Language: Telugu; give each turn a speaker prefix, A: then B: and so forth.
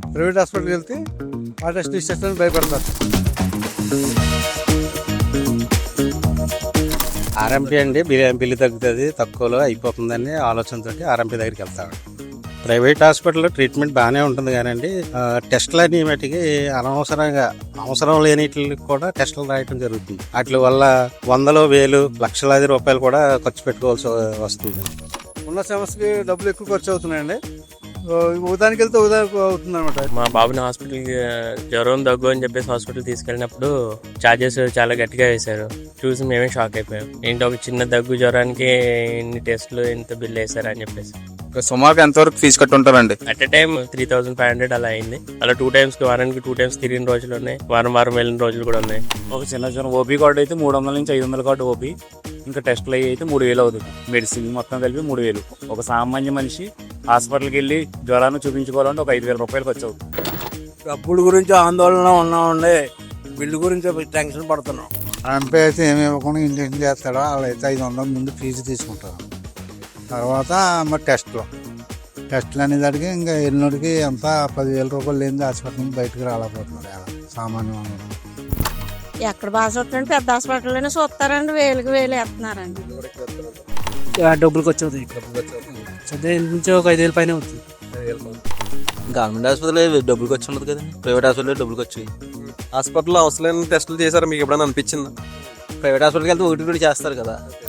A: ప్రైవేట్ హాస్పిటల్కి వెళ్తే ఆ టెస్ట్ ఇచ్చేస్తాను భయపడతారు.
B: ఆర్ఎంపీ అండి, బిల్లు తగ్గుతుంది, తక్కువలో అయిపోతుందని ఆలోచనతో ఆర్ఎంపీ దగ్గరికి వెళ్తాడు. ప్రైవేట్ హాస్పిటల్లో ట్రీట్మెంట్ బాగానే ఉంటుంది కానండి, టెస్టులు అన్ని మటుకి అనవసరంగా అవసరం లేనిటికి కూడా టెస్టులు రాయటం జరుగుతుంది. వాటి వల్ల వందలు వేలు లక్షలాది రూపాయలు కూడా ఖర్చు పెట్టుకోవాల్సి వస్తుంది.
A: ఉన్న సమస్యకి డబ్బులు ఎక్కువ ఖర్చు అవుతున్నాయండి. ఉదానికి వెళ్తే ఉదానికి అవుతుంది అనమాట.
C: మా బాబుని హాస్పిటల్కి జ్వరం దగ్గు అని చెప్పేసి హాస్పిటల్ తీసుకెళ్ళినప్పుడు ఛార్జెస్ చాలా గట్టిగా వేశారు. చూసి మేమే షాక్ అయిపోయాం. ఏంటి ఒక చిన్న దగ్గు జ్వరానికి ఇన్ని టెస్టులు ఇంత బిల్ వేశారు అని చెప్పేసి.
D: సుమారుగా ఎంతవరకు ఫీజు కట్టుంటారండి?
C: అట్ ఎ టైం 3,500 అలా అయింది. అలా 2 times వారానికి 2 times తిరిగిన రోజులు ఉన్నాయి, వారం వెళ్ళిన రోజులు కూడా ఉన్నాయి.
E: ఒక చిన్న ఓపీ కార్డు అయితే 300 నుంచి 500 కార్డు ఓపీ, ఇంకా టెస్టులు అయ్యి అయితే 3,000 అవుతుంది. మెడిసిన్ మొత్తం కలిపి 3,000. ఒక సామాన్య మనిషి హాస్పిటల్కి వెళ్ళి జ్వరాన్ని చూపించుకోవాలంటే ఒక 5,000 రూపాయలు ఖర్చు అవుతుంది.
F: డబ్బుల గురించి ఆందోళన ఉన్నామండి, బిల్లు గురించి టెన్షన్ పడుతున్నాం.
A: ఆర్ఎంపీ అయితే ఏమి ఇవ్వకుండా ఇంజక్షన్ చేస్తాడో వాళ్ళైతే 500 ముందు ఫీజు తీసుకుంటారు. తర్వాత మరి టెస్టులు అనేదానికి ఇంకా ఎల్లుడికి ఎంత 10,000 రూపాయలు లేని హాస్పిటల్ నుంచి బయటకు రాలేకపోతున్నారు అలా సామాన్య.
G: ఎక్కడ బాగా చూస్తారండి, పెద్ద హాస్పిటల్లోనే చూస్తారండి, వేలకు వేలు వేస్తున్నారండి.
F: డబ్బులకి వచ్చేది నుంచి ఒక 5,000 పైన అవుతుంది.
H: గవర్నమెంట్ హాస్పిటల్ డబ్బులకి వచ్చి ఉండదు కదండి, ప్రైవేట్ హాస్పిటల్లో డబ్బులకి వచ్చాయి.
D: హాస్పిటల్లో అవసరమైన టెస్టులు చేశారు మీకు ఎప్పుడైనా అనిపించిందా?
H: ప్రైవేట్ హాస్పిటల్కి వెళ్తే ఒకటి కూడా చేస్తారు కదా.